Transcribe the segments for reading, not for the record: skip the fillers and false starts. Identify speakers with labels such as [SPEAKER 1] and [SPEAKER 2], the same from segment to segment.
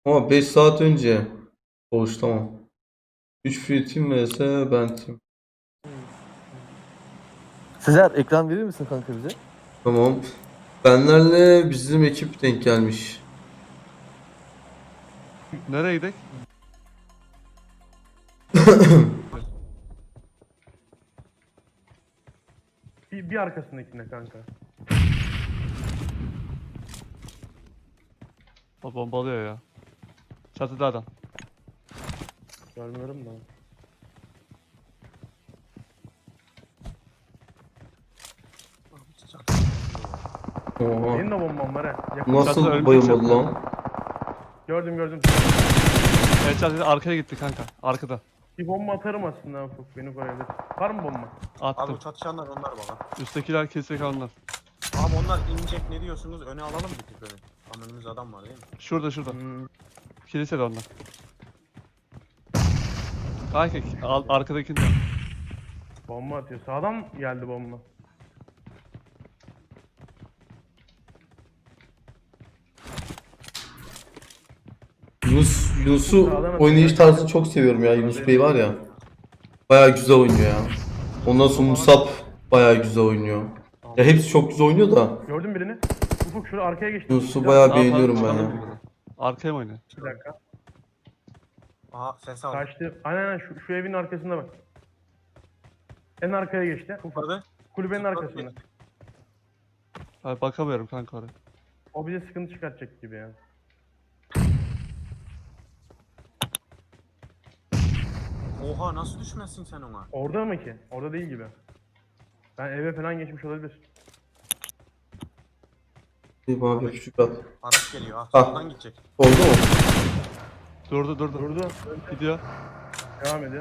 [SPEAKER 1] Ama 5 saat önce. Koğuş tamam. 3 free team vs ben team.
[SPEAKER 2] Sezer ekran verir misin kanka bize?
[SPEAKER 1] Tamam. Benlerle bizim ekip denk gelmiş.
[SPEAKER 3] Nereye gidelim?
[SPEAKER 4] Bir arkasındakine kanka.
[SPEAKER 3] O bombalıyor ya. Çatıda adam.
[SPEAKER 4] Görmüyorum da.
[SPEAKER 1] Oha.
[SPEAKER 4] Benim de bombam var ha. Yakın.
[SPEAKER 3] Çatıda
[SPEAKER 1] Nasıl
[SPEAKER 3] ölmüş
[SPEAKER 1] bayılmadı
[SPEAKER 3] çatıda.
[SPEAKER 1] lan?
[SPEAKER 4] Gördüm.
[SPEAKER 3] Evet çatıda arkaya gitti kanka. Arkada.
[SPEAKER 4] Bir bomba atarım aslında Ufuk. Beni koyabilir. Var mı bomba?
[SPEAKER 5] Abi
[SPEAKER 3] Attım.
[SPEAKER 5] bu çatışanlar onlar bana.
[SPEAKER 3] Üsttekiler kesecek onlar.
[SPEAKER 5] Abi onlar inecek ne diyorsunuz? Öne alalım bir tık öne. Ama önümüzde adam var değil mi?
[SPEAKER 3] Şurada.
[SPEAKER 4] Hmm.
[SPEAKER 3] Kilisede onlar. Kanka arkadakinde.
[SPEAKER 4] Bomba atıyor. Sağdan geldi bomba.
[SPEAKER 1] Yunus'u oynayış tarzını çok seviyorum ya. Yunus Bey var ya. Bayağı güzel oynuyor ya. Ondan sonra Musab bayağı güzel oynuyor. Ya hepsi çok güzel oynuyor da.
[SPEAKER 4] Gördün birini. Ufuk şurada arkaya geçti.
[SPEAKER 1] Yunus'u bayağı
[SPEAKER 3] Ne yapalım,
[SPEAKER 1] beğeniyorum ben
[SPEAKER 3] çıkalım
[SPEAKER 1] ya.
[SPEAKER 3] mı buradan? Arkaya mı oynuyor?
[SPEAKER 4] Bir dakika.
[SPEAKER 5] Aha ses aldım.
[SPEAKER 4] Kaçtı. Aynen şu evin arkasında bak. En arkaya geçti. Ufuk.
[SPEAKER 5] Hadi.
[SPEAKER 4] Kulübenin arkasında.
[SPEAKER 3] Abi bakamıyorum kanka oraya.
[SPEAKER 4] O bize sıkıntı çıkartacak gibi ya.
[SPEAKER 5] Oha nasıl düşmezsin sen ona?
[SPEAKER 4] Orada mı ki? Orada değil gibi. Ben eve falan geçmiş olabilir.
[SPEAKER 1] Bir bana bir küçük at.
[SPEAKER 5] Araç geliyor. Ah
[SPEAKER 1] Ah.
[SPEAKER 5] soldan gidecek.
[SPEAKER 1] Oldu mu?
[SPEAKER 3] Durdu.
[SPEAKER 4] Durdu.
[SPEAKER 3] Gidiyor.
[SPEAKER 4] Devam ediyor.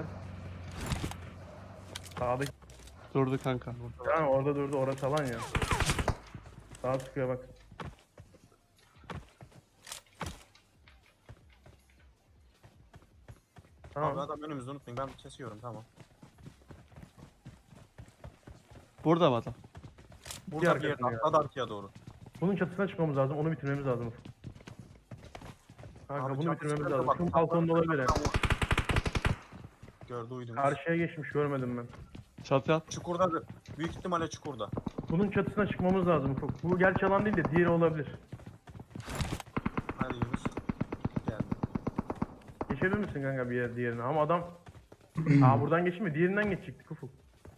[SPEAKER 4] Sağdaki.
[SPEAKER 3] Durdu kanka.
[SPEAKER 4] Yani orada durdu. Orası alan ya. Sağa sıkıyor bak.
[SPEAKER 5] Abi
[SPEAKER 4] Tamam.
[SPEAKER 5] adam önümüzde unutmayın ben kesiyorum tamam.
[SPEAKER 3] Burada mı adam?
[SPEAKER 5] Burada bir yerde
[SPEAKER 4] arkasında ya.
[SPEAKER 5] atladı arkaya doğru.
[SPEAKER 4] Bunun çatısına çıkmamız lazım. Onu bitirmemiz lazım. Kanka
[SPEAKER 5] Abi
[SPEAKER 4] bunu
[SPEAKER 5] çatı
[SPEAKER 4] bitirmemiz
[SPEAKER 5] sıkıntı
[SPEAKER 4] lazım.
[SPEAKER 5] bak,
[SPEAKER 4] Şunun balkonda olabilir. Yani.
[SPEAKER 5] Gördü uydunuz.
[SPEAKER 4] Karşıya geçmiş görmedim ben.
[SPEAKER 3] Çatıya at.
[SPEAKER 5] Çukurdadır. Büyük ihtimalle çukurda.
[SPEAKER 4] Bunun çatısına çıkmamız lazım Ufuk. Bu gerçi alan değil de diğeri olabilir.
[SPEAKER 5] Hadi Yunus. Geldi.
[SPEAKER 4] Geçebilir misin kanka bir yer diğerine? Ama adam... Aa buradan geçme. Diğerinden geçecektik Ufuk.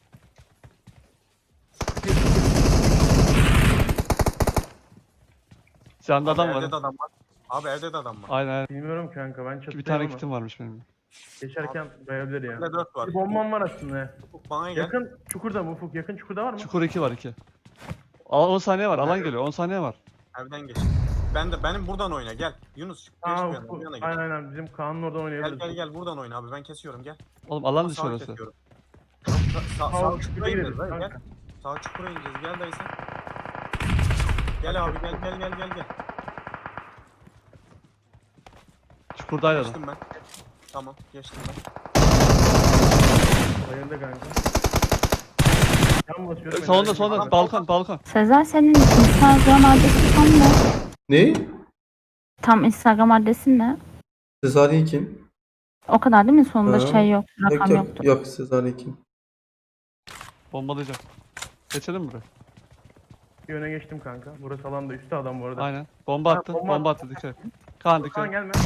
[SPEAKER 3] Sende adam
[SPEAKER 5] Evde
[SPEAKER 3] var.
[SPEAKER 5] de adam var. Abi evde de adam var.
[SPEAKER 3] Aynen.
[SPEAKER 4] Bilmiyorum kanka ben çatıdayım
[SPEAKER 3] Bir tane
[SPEAKER 4] ama
[SPEAKER 3] kitim varmış benim.
[SPEAKER 4] geçerken bayabilir ya.
[SPEAKER 5] Evde 4 var.
[SPEAKER 4] Bir bombam var aslında.
[SPEAKER 5] Ufuk bana gel.
[SPEAKER 4] Yakın çukurda mı Ufuk? Yakın çukurda var mı?
[SPEAKER 3] Çukur 2 var 2. 10 saniye var. Alan geliyor. 10 saniye var.
[SPEAKER 5] Evden geç. Benim buradan oyna gel. Yunus geç bir
[SPEAKER 4] Aa
[SPEAKER 5] yana,
[SPEAKER 4] Ufuk.
[SPEAKER 5] bir yana git.
[SPEAKER 4] Aynen bizim Kaan'ın oradan
[SPEAKER 5] Gel
[SPEAKER 4] oynayabiliriz.
[SPEAKER 5] gel buradan oyna abi ben kesiyorum gel.
[SPEAKER 3] Oğlum alan dışı
[SPEAKER 5] Sağ
[SPEAKER 3] orası.
[SPEAKER 5] kesiyorum.
[SPEAKER 4] Sağ
[SPEAKER 5] Sağ
[SPEAKER 4] çukura
[SPEAKER 5] çukura
[SPEAKER 4] gireriz
[SPEAKER 5] ineceğiz gel.
[SPEAKER 4] kanka.
[SPEAKER 5] Sağ çukura ineceğiz gel dayı sen. Gel abi gel.
[SPEAKER 3] Çukurdaydı adam.
[SPEAKER 5] Geçtim ben. Tamam geçtim ben.
[SPEAKER 4] Bayıldı kanka. Yan basıyorum.
[SPEAKER 3] Sonunda
[SPEAKER 5] Adam-
[SPEAKER 3] balkon.
[SPEAKER 6] Sezer senin Instagram adresin tam ne?
[SPEAKER 1] Ne?
[SPEAKER 6] Tam Instagram adresin ne?
[SPEAKER 1] Sezaryen kim?
[SPEAKER 6] O kadar değil mi? Sonunda
[SPEAKER 1] Ha.
[SPEAKER 6] şey yok, rakam
[SPEAKER 1] Yok
[SPEAKER 6] yoktu.
[SPEAKER 1] yok Sezaryen kim?
[SPEAKER 3] Bombalayacak. Geçelim mi buraya?
[SPEAKER 4] Bir öne geçtim kanka. Burası alanda üstte adam bu arada.
[SPEAKER 3] Aynen. Bomba
[SPEAKER 4] Ha,
[SPEAKER 3] attı.
[SPEAKER 4] bomba
[SPEAKER 3] Bomba attı dikkat et. Kaan dikkat
[SPEAKER 4] Kaan
[SPEAKER 3] et.
[SPEAKER 4] gelme.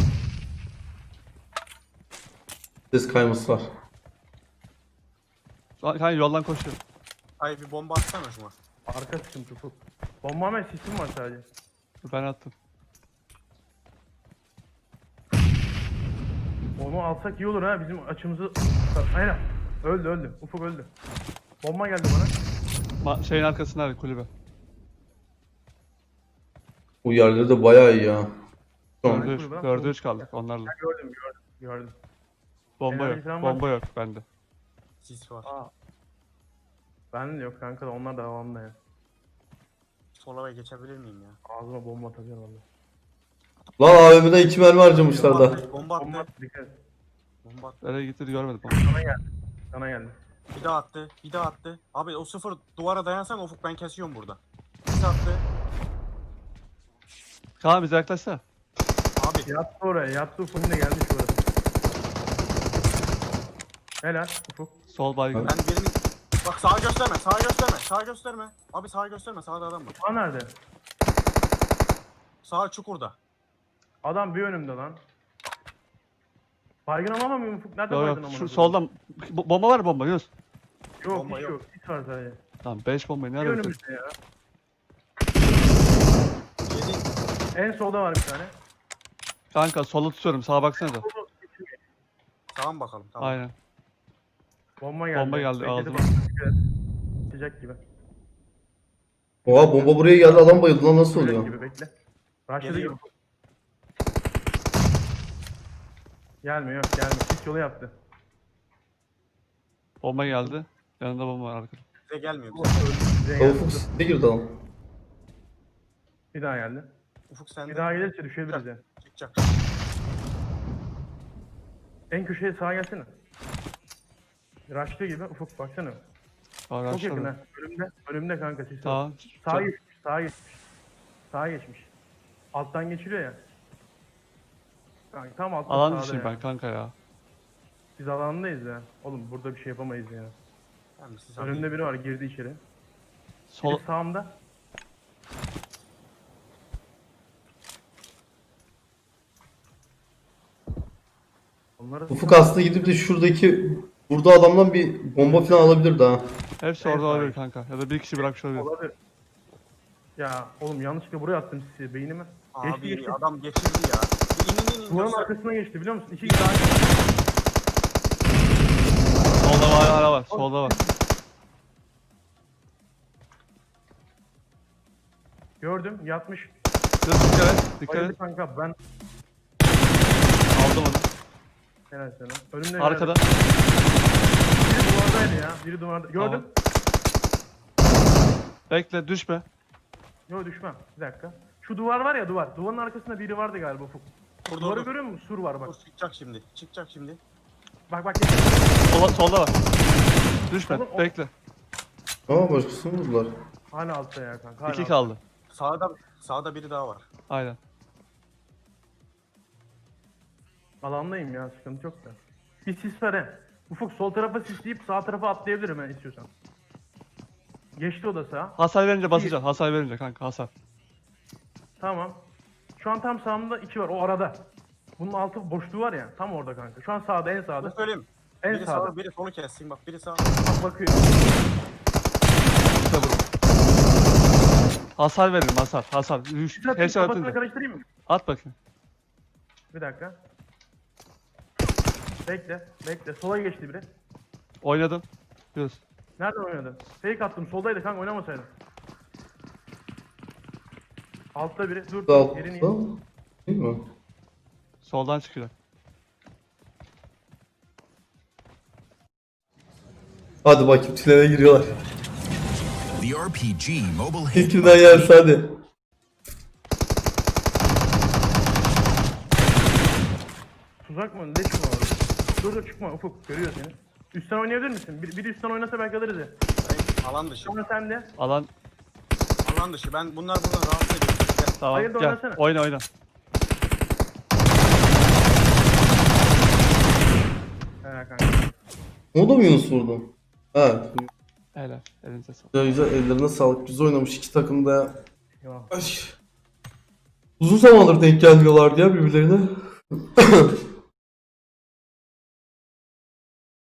[SPEAKER 1] Ses kayması var.
[SPEAKER 3] Kaan yoldan koşuyor.
[SPEAKER 5] Ay bir bomba atsana şuna.
[SPEAKER 4] Arka sıkıntı Ufuk. Bomba ve sisim var sadece.
[SPEAKER 3] Ben attım.
[SPEAKER 4] Onu alsak iyi olur ha bizim açımızı... Aynen. Öldü. Ufuk öldü. Bomba geldi bana.
[SPEAKER 3] Şeyin arkasında kulübe.
[SPEAKER 1] Bu yerleri de bayağı iyi ya. Şu an.
[SPEAKER 3] Dördü üç kaldık onlarla.
[SPEAKER 4] Gördüm.
[SPEAKER 3] Bomba
[SPEAKER 4] Enerji
[SPEAKER 3] yok.
[SPEAKER 4] falan var.
[SPEAKER 3] Bomba yok bende.
[SPEAKER 5] Sis var.
[SPEAKER 4] Aa. Ben de yok kanka da onlar da havamda ya.
[SPEAKER 5] Sola ve geçebilir miyim ya?
[SPEAKER 4] Ağzıma bomba atacağım valla.
[SPEAKER 1] Lan AVM'den 2 mermi harcamışlar da.
[SPEAKER 5] Bomba
[SPEAKER 4] Bomba
[SPEAKER 5] attı.
[SPEAKER 4] at, dikkat et.
[SPEAKER 5] Bomba attı.
[SPEAKER 3] Nereye gitti görmedim.
[SPEAKER 4] Sana geldi.
[SPEAKER 5] Bir daha attı. Abi o sıfır duvara dayansan Ufuk ben kesiyorum burada. Sis attı.
[SPEAKER 3] Kaan bize yaklaşsana.
[SPEAKER 5] Abi
[SPEAKER 4] Yattı oraya. Yattı Ufuk'un da gelmiş orası. Helal Ufuk.
[SPEAKER 3] Sol baygın.
[SPEAKER 5] ben birini... Bak sağa gösterme, sağa gösterme, sağa gösterme. Abi sağa gösterme, sağda adam var.
[SPEAKER 4] Aa nerede?
[SPEAKER 5] Sağ çukurda.
[SPEAKER 4] Adam bir önümde lan. Baygın ama mı Ufuk? Nerede
[SPEAKER 3] Yok
[SPEAKER 4] baygın
[SPEAKER 3] yok.
[SPEAKER 4] ama?
[SPEAKER 3] Şu soldan. Bomba var mı bomba Yunus?
[SPEAKER 4] Yok
[SPEAKER 5] Bomba
[SPEAKER 4] hiç
[SPEAKER 5] yok.
[SPEAKER 4] yok. Hiç var sadece.
[SPEAKER 3] Tamam 5 bombayı
[SPEAKER 4] Bir
[SPEAKER 3] nerede bitirdik?
[SPEAKER 4] önümüzde ya.
[SPEAKER 5] Yedi.
[SPEAKER 4] En solda var bir tane.
[SPEAKER 3] Kanka sola tutuyorum sağa baksana da.
[SPEAKER 5] Sağa mı bakalım? Tamam.
[SPEAKER 3] Aynen.
[SPEAKER 4] Bomba geldi.
[SPEAKER 3] Bomba geldi,
[SPEAKER 4] Bekledi
[SPEAKER 3] ağzıma.
[SPEAKER 4] bak. Sıcak gibi.
[SPEAKER 1] Oha bomba buraya geldi adam bayıldı lan nasıl
[SPEAKER 4] Sıcak
[SPEAKER 1] oluyor?
[SPEAKER 4] gibi bekle. Başladı
[SPEAKER 5] Geliyor.
[SPEAKER 4] gibi. Gelmiyor yok gelmiyor. Pis yolu yaptı.
[SPEAKER 3] Bomba geldi. Yanında bomba var arkada.
[SPEAKER 5] Bize gelmiyor.
[SPEAKER 4] Bize
[SPEAKER 1] Ya
[SPEAKER 4] geldi.
[SPEAKER 1] Ufuk ne girdi adam?
[SPEAKER 5] Ufuk
[SPEAKER 4] Bir daha geldi.
[SPEAKER 5] sende.
[SPEAKER 4] Bir daha gelirse düşebiliriz yani.
[SPEAKER 5] Çıkacak.
[SPEAKER 4] En köşeye sağa gelsene. Raşlı gibi Ufuk baksana. Çok yakın ha. Önümde. Önümde kanka siz.
[SPEAKER 3] Tamam.
[SPEAKER 4] Sağa geçmiş. Sağa geçmiş. Sağa geçmiş. Alttan geçiriyor ya. Kanka tam altta
[SPEAKER 3] Alan
[SPEAKER 4] sağda
[SPEAKER 3] dışıyım
[SPEAKER 4] ya.
[SPEAKER 3] ben kanka ya.
[SPEAKER 4] Biz alandayız ya. Oğlum burada bir şey yapamayız ya.
[SPEAKER 5] Tamam, siz
[SPEAKER 4] Önümde biri var girdi içeri.
[SPEAKER 3] Sol
[SPEAKER 4] Biri sağımda. Onları
[SPEAKER 1] Ufuk aslında gidip de şuradaki burada adamdan bir bomba falan alabilir daha.
[SPEAKER 3] hepsi
[SPEAKER 4] En
[SPEAKER 3] orada
[SPEAKER 4] sağ.
[SPEAKER 3] olabilir kanka. Ya da bir kişi bırakmış olabilir.
[SPEAKER 4] olabilir. Ya oğlum yanlışlıkla buraya attım sizi beynime. Geçti
[SPEAKER 5] Abi
[SPEAKER 4] geçti.
[SPEAKER 5] adam geçirdi ya. İn.
[SPEAKER 4] Duvarın
[SPEAKER 5] Göster.
[SPEAKER 4] arkasına geçti biliyor musun? İki daha
[SPEAKER 3] Solda var hala var. Solda var.
[SPEAKER 4] gördüm yatmış.
[SPEAKER 3] Dur dikkat et. Dikkat
[SPEAKER 4] Bayıldı
[SPEAKER 3] et.
[SPEAKER 4] kanka ben
[SPEAKER 3] Aldım onu.
[SPEAKER 4] helal sana. Önümde
[SPEAKER 3] Arkada.
[SPEAKER 4] biri duvardaydı ya. Biri duvarda. Gördüm.
[SPEAKER 3] Bekle düşme.
[SPEAKER 4] Yok düşmem. Bir dakika. Şu duvar var ya duvar. Duvarın arkasında biri vardı galiba Ufuk.
[SPEAKER 5] Dur,
[SPEAKER 4] Duvarı
[SPEAKER 5] dur.
[SPEAKER 4] görüyor musun? Sur var bak.
[SPEAKER 5] Dur, çıkacak şimdi. Çıkacak şimdi.
[SPEAKER 4] Bak.
[SPEAKER 3] Solda var. Düşme.
[SPEAKER 4] Oğlum, o-
[SPEAKER 3] Bekle.
[SPEAKER 1] Ama başkasını vurdular.
[SPEAKER 4] Hala altta ya kanka. Hala
[SPEAKER 3] 2
[SPEAKER 4] altta.
[SPEAKER 3] kaldı.
[SPEAKER 5] Sağda biri daha var.
[SPEAKER 3] Aynen.
[SPEAKER 4] Alandayım ya sıkıntı yok da. Bir sis ver he. Ufuk sol tarafa sisleyip sağ tarafa atlayabilirim ben istiyorsan. Geçti o da sağa.
[SPEAKER 3] Hasar verince basacaksın. Hasar verince kanka hasar.
[SPEAKER 4] Tamam. Şu an tam sağımda iki var o arada. Bunun altı boşluğu var ya tam orada kanka. Şu an sağda en
[SPEAKER 5] Dur
[SPEAKER 4] sağda.
[SPEAKER 5] söyleyeyim.
[SPEAKER 4] En
[SPEAKER 5] Biri
[SPEAKER 4] sağda.
[SPEAKER 5] sağ, biri solu kessin. Bak biri sağ.
[SPEAKER 4] Bak bakıyor.
[SPEAKER 3] İşte bu. Hasar verelim hasar. Hasar.
[SPEAKER 4] Kafasını
[SPEAKER 3] Headshot atınca.
[SPEAKER 4] karıştırayım mı?
[SPEAKER 3] At bakayım.
[SPEAKER 4] Bir dakika. Bekle. Sola geçti biri.
[SPEAKER 3] Oynadım. Yunus.
[SPEAKER 4] Nereden oynadın? Fake attım. Soldaydı kanka oynamasaydın. Altta biri. Dur.
[SPEAKER 1] Altta
[SPEAKER 4] Yerini
[SPEAKER 1] değil mi?
[SPEAKER 3] Soldan çıkacak.
[SPEAKER 1] Hadi bakayım tünele giriyorlar.
[SPEAKER 7] The RPG mobile hit
[SPEAKER 1] İlkinden yerse hadi.
[SPEAKER 4] Tuzak mı? Leş mi var? Dur çıkma Ufuk. Görüyor seni. Üstten oynayabilir misin? Biri üstten oynasa belki alırız ya.
[SPEAKER 5] Alan dışı.
[SPEAKER 4] Sonra sen de.
[SPEAKER 3] Alan.
[SPEAKER 5] Alan dışı. Bunlar buradan rahatsız ediyor. Gel.
[SPEAKER 3] Tamam.
[SPEAKER 4] Hayır da
[SPEAKER 3] Gel.
[SPEAKER 4] oynasana.
[SPEAKER 3] Oyna.
[SPEAKER 4] He kanka.
[SPEAKER 1] O da mı Yunus vurdu? Ha.
[SPEAKER 3] Helal. Elinize sağlık.
[SPEAKER 1] Güzel ellerine sağlık. Güzel oynamış iki takım da ya.
[SPEAKER 4] Eyvallah.
[SPEAKER 1] Ay. Uzun zamandır denk gelmiyorlardı ya birbirlerine.